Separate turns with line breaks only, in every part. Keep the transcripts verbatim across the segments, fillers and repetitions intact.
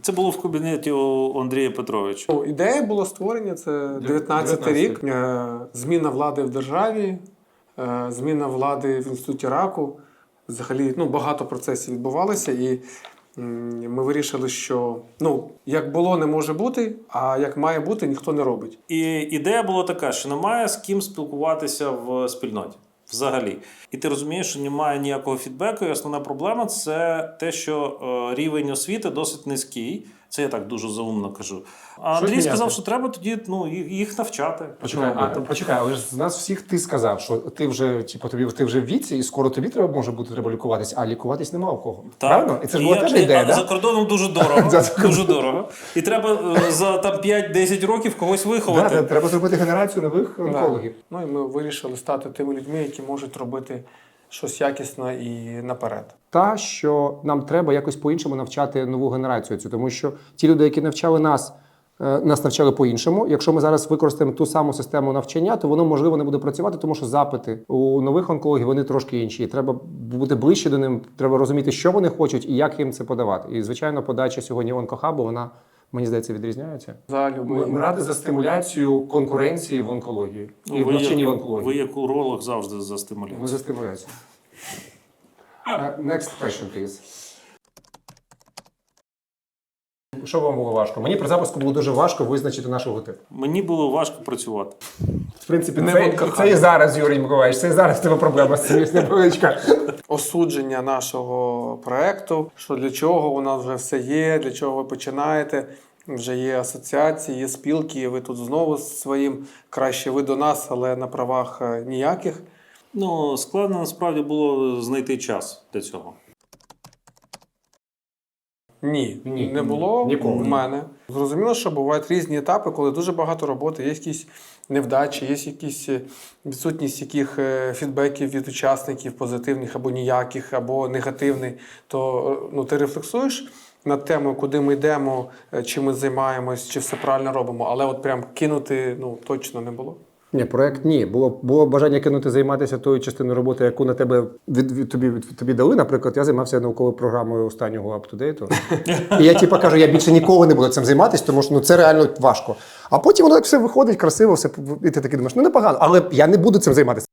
Це було в кабінеті у Андрія Петровича.
Ну, ідея було створення, це дев'ятнадцятий рік, е, зміна влади в державі, е, зміна влади в інституті раку. Взагалі, ну, багато процесів відбувалося, і м, ми вирішили, що ну, як було, не може бути, а як має бути, ніхто не робить.
І ідея була така, що немає з ким спілкуватися в спільноті. Взагалі. І ти розумієш, що немає ніякого фідбеку, і основна проблема – це те, що е, рівень освіти досить низький. Це я так дуже заумно кажу. А
Що
Андрій
міняти?
сказав, що треба тоді ну, їх їх навчати.
Почекай, а, почекай, але ж з нас всіх ти сказав, що ти вже, типу, тобі, ти вже в віці, і скоро тобі треба може бути треба лікуватись, а лікуватись нема у кого.
Так.
Правильно? І це ж була
я-
теж
і-
ідея,
а
да?
За кордоном дуже дорого. Дуже дорого. І треба е, за там п'ять-десять років когось
Да,
виховати.
та- треба зробити генерацію нових онкологів.
Ну і ми вирішили стати тими людьми, які можуть робити щось якісно і наперед.
Та, що нам треба якось по-іншому навчати нову генерацію цю, тому що ті люди, які навчали нас, е, нас навчали по-іншому. Якщо ми зараз використаємо ту саму систему навчання, то воно, можливо, не буде працювати, тому що запити у нових онкологів, вони трошки інші. І треба бути ближче до ним, треба розуміти, що вони хочуть і як їм це подавати. І, звичайно, подача сьогодні онкохабу, вона, мені здається, відрізняється.
За любий.
Ми раді за стимуляцію конкуренції в онкології і в
Ви
навчанні в
як,
онкології.
ви як уролог завжди за
Ми
стимуляцію.
за стимуляцію. Uh, next question, please. Що вам було важко? Мені при запуску було дуже важко визначити нашу типу.
Мені було важко працювати.
В принципі,
Не
це,
вонка
це і зараз, Юрій Миколаївич, це і зараз тебе проблема з цим невеличка.
Осудження нашого проекту, що для чого у нас вже все є, для чого ви починаєте. Вже є асоціації, є спілки, і ви тут знову з своїм краще ви до нас, але на правах е, ніяких.
Ну, складно насправді було знайти час для цього.
Ні,
Ні,
не було
ніколи.
в мене. Зрозуміло, що бувають різні етапи, коли дуже багато роботи, є якісь невдачі, є якісь е, відсутність яких е, фідбеків від учасників, позитивних або ніяких, або негативних, то е, ну, ти рефлексуєш над темою, куди ми йдемо, е, чим ми займаємось, чи все правильно робимо, але от прям кинути ну, точно не було.
Ні, проект ні. Було, було бажання кинути займатися тою частиною роботи, яку на тебе від, від, тобі, від, тобі дали. Наприклад, я займався науковою програмою останнього аптудейту. І я типу кажу, я більше ніколи не буду цим займатися, тому що ну, це реально важко. А потім воно так все виходить, красиво, все, і ти такий думаєш, ну непогано, але я не буду цим займатися.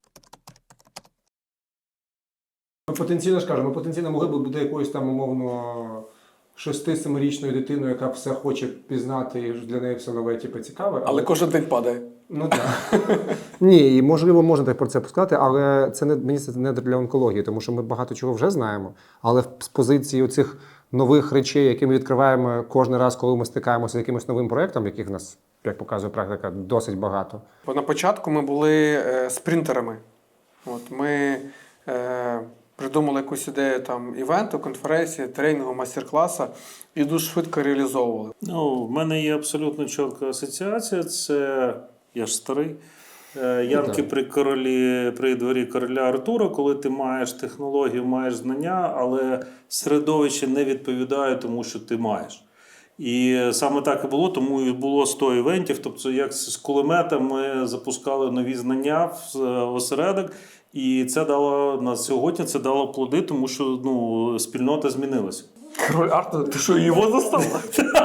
Ми потенційно ж кажемо, ми потенційно могли б бути якоюсь там умовно шести-семирічною дитиною, яка все хоче пізнати, і для неї все нове, типу, цікаве.
Але кожен день падає.
Ну так. Ні, і можливо, можна так про це сказати, але це не мені здається, не для онкології, тому що ми багато чого вже знаємо. Але з позиції оцих нових речей, які ми відкриваємо кожен раз, коли ми стикаємося з якимось новим проєктом, яких в нас, як показує практика, досить багато.
Бо на початку ми були е, спринтерами. От, ми е, придумали якусь ідею там, івенту, конференції, тренінгу, майстер-класу і дуже швидко реалізовували.
Ну, в мене є абсолютно чітка асоціація. Це я ж старий. Е, Янки при королі, при дворі короля Артура, коли ти маєш технологію, маєш знання, але середовище не відповідає тому, що ти маєш. І саме так і було, тому і було сто івентів. Тобто, як з кулемета ми запускали нові знання в осередок, і це дало на сьогодні це дало плоди, тому що ну, спільнота змінилася.
Король Артур, ти що, його застав?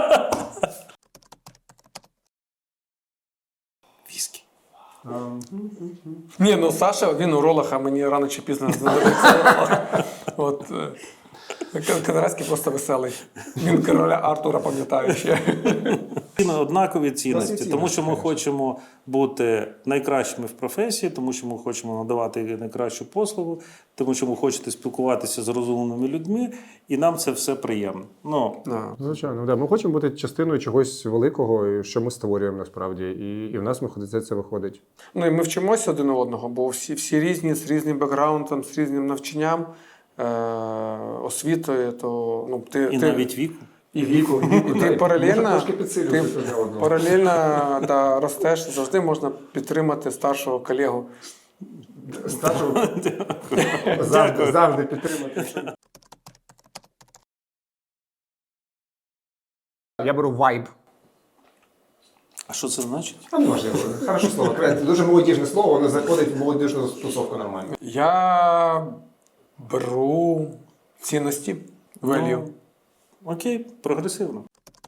Віскі.
Ні, ну Саша, він уролог, а мені рано чи пізно знадобиться уролог. От, е, Канарецький просто веселий. Він короля Артура пам'ятає ще.
Однакові цінності,
Класні
тому що ми
цінності,
хочемо бути найкращими в професії, тому що ми хочемо надавати найкращу послугу, тому що ми хочемо спілкуватися з розумними людьми, і нам це все приємно. Ну,
Звичайно, да. Ми хочемо бути частиною чогось великого, що ми створюємо насправді, і, і в нас виходить, це виходить.
Ну і ми вчимося один у одного, бо всі, всі різні, з різним бекграундом, з різним навчанням, е- освітою, то ну, ти,
і
ти,
навіть віку.
і віку. І ти паралельно, ти
ти...
паралельно да, ростеш, завжди можна підтримати старшого колегу.
Старшого завжди, завжди підтримати. Я беру вайб.
А що це значить?
А можливо, хороше слово. Дуже молодіжне слово, воно заходить в молодіжну тусовку нормально.
Я беру цінності, value.
Ну, окей, прогресивно.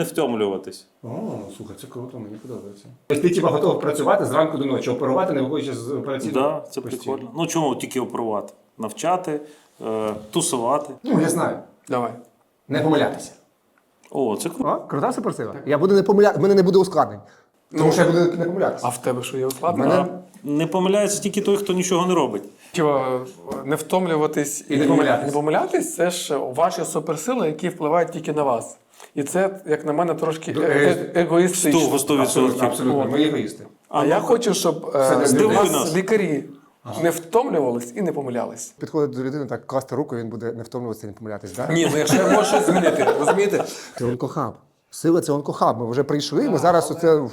не втомлюватись.
О, слухай, це круто, мені подобається. Тобто ти типа готовий працювати зранку до ночі, оперувати, не виходячи з операційного?
Так, да, це прикольно. Ну чому тільки оперувати? Навчати, е, тусувати.
Ну, я знаю.
Давай.
Не помилятися.
О, це круто.
О, крута суперсила. Я буду не помиляти, в мене не буде ускладнень. Тому що я буду не помилятися.
А в тебе що є ускладнення?
Мене-
Не помиляється тільки той, хто нічого не робить.
Чого, не втомлюватись
І не помилятись.
не помилятись, це ж ваші суперсили, які впливають тільки на вас. І це, як на мене, трошки е- е- егоїстично.
Сто- сто відсотків.
Абсолютно, абсолютно. Ми егоїсти.
А я хочу, щоб
Це не
е,
здивує
вас
нас.
лікарі не втомлювались і не помилялись.
Підходить до людини, так класти руку, він буде не втомлюватися, не помилятись, так?
Ні, ну якщо я можу щось змінити, розумієте?
Це онкохаб. Сила це онкохаб. Ми вже прийшли, ми зараз оце.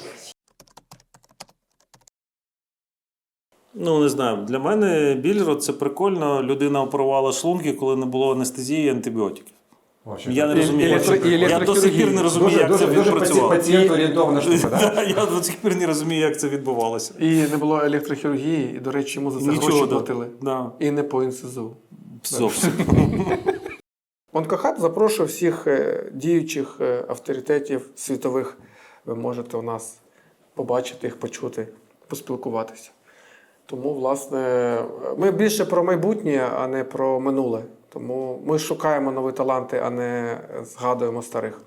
Ну, не знаю, для мене біль це прикольно. Людина оперувала шлунки, коли не було анестезії і антибіотиків. Я не
І-
розумію,
і
як це-
електро- і
я до сих пір не розумію,
Дуже,
як
дуже,
це
дуже
відпрацювало.
пацієнт орієнтована штука, так?
Да, Я до сих пір не розумію, як це відбувалося.
І не було електрохірургії, і, до речі, йому за це
Нічого,
гроші
да.
платили.
Да.
І не по НСЗУ.
Зовсім.
Онкохаб запрошує всіх е, діючих е, авторитетів світових. Ви можете у нас побачити їх, почути, поспілкуватися. Тому, власне, ми більше про майбутнє, а не про минуле. Тому ми шукаємо нові таланти, а не згадуємо старих.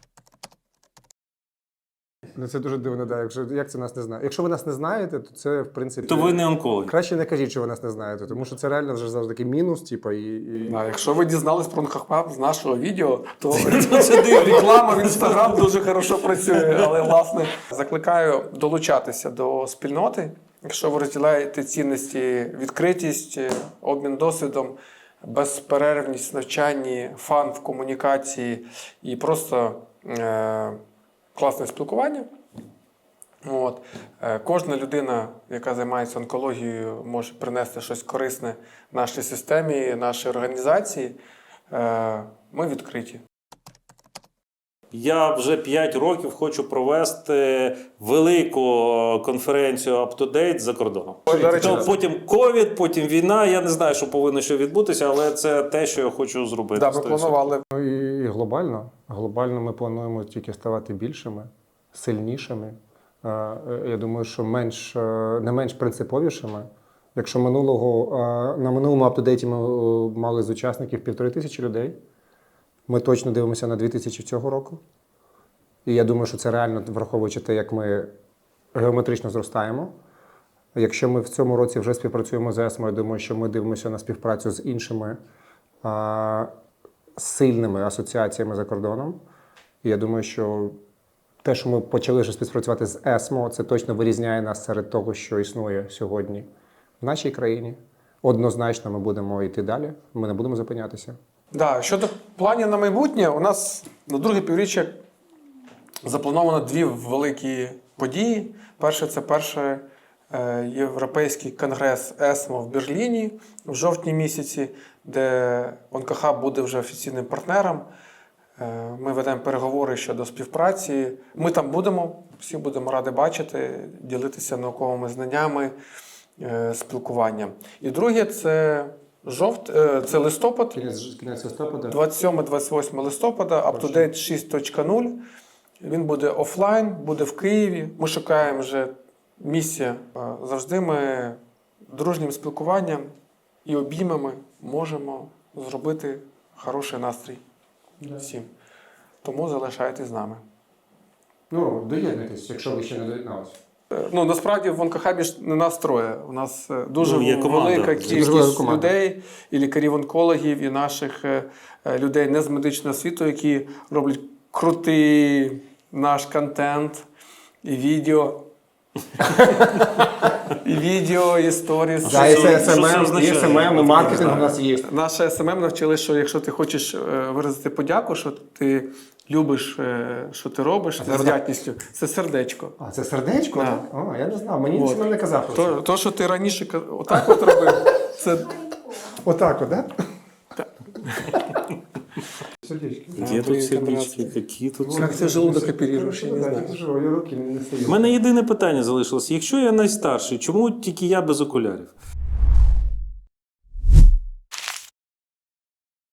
Ну це дуже дивно, да. Якщо як це нас не знає. Якщо ви нас не знаєте, то це в принципі.
То ви не онколог.
Краще не кажіть, що ви нас не знаєте, тому що це реально вже завжди такий мінус, типу, і. і...
А якщо ви дізнались про онкохаб з нашого відео, то
Це дивно.
реклама в інстаграм дуже хорошо працює. Але, власне, закликаю долучатися до спільноти. Якщо ви розділяєте цінності, відкритість, обмін досвідом, безперервність в навчанні, фан в комунікації і просто е- класне спілкування. От. Е, Кожна людина, яка займається онкологією, може принести щось корисне нашій системі, нашій організації. Е, Ми відкриті.
Я вже п'ять років хочу провести велику конференцію UpToDate за кордоном.
До речі,
То потім ковід, потім війна. Я не знаю, що повинно що відбутися, але це те, що я хочу зробити.
Да, ми
сто відсотків.
планували.
Ну і, і глобально. Глобально ми плануємо тільки ставати більшими, сильнішими. Е, е, Я думаю, що менш, е, не менш принциповішими. Якщо минулого, е, на минулому UpToDate ми е, мали з учасників півтори тисячі людей, ми точно дивимося на дві тисячі цього року. І я думаю, що це реально, враховуючи те, як ми геометрично зростаємо. Якщо ми в цьому році вже співпрацюємо з ЕСМО, я думаю, що ми дивимося на співпрацю з іншими а, сильними асоціаціями за кордоном. І я думаю, що те, що ми почали вже співпрацювати з ЕСМО, це точно вирізняє нас серед того, що існує сьогодні в нашій країні. Однозначно ми будемо йти далі, ми не будемо зупинятися.
Да, щодо планів на майбутнє, у нас на друге півріччя заплановано дві великі події. Перше, це перший е, європейський конгрес ЕСМО в Берліні в жовтні місяці, де онкохаб буде вже офіційним партнером. Е, ми ведемо переговори щодо співпраці. Ми там будемо, всі будемо раді бачити, ділитися науковими знаннями, е, спілкуванням. І друге, це Жовт, е, це листопад,
Кінець, кінець листопада.
двадцять сьоме - двадцять восьме листопада, UpToDate шість точка нуль. Він буде офлайн, буде в Києві. Ми шукаємо вже місце. Е, Завжди ми дружнім спілкуванням і обіймами можемо зробити хороший настрій всім. Тому залишайтесь з нами.
Ну, доєднуйтесь, якщо ви ще не доєдналися.
Е, Ну, насправді в онкохабі ж не нас троє. У нас е, дуже
Ну, є команда.
велика
Дуже
велика
кількість
команда.
людей, і лікарів-онкологів, і наших е, е, людей не з медичного світу, які роблять крутий наш контент, і відео. І відео, і сторіс.
Да, і це
Що це
ес ем ем, і
означає?
ес ем ем, і маркетинг у нас є.
Наше ес ем ем навчили, що якщо ти хочеш е, виразити подяку, що ти любиш, е, що ти робиш,
це
з вдячністю, це сердечко.
А, це сердечко?
Да.
так? О, я не знав, мені
От.
ніхто не казав про
То,
це.
то, що ти раніше ка- отак от робив, це
Отак от, так? Сердечки.
Є тут сердечки, які тут.
Як ти желудок оперуєш, я не знаю.
Руки не
У мене єдине питання залишилось. Якщо я найстарший, чому тільки я без окулярів?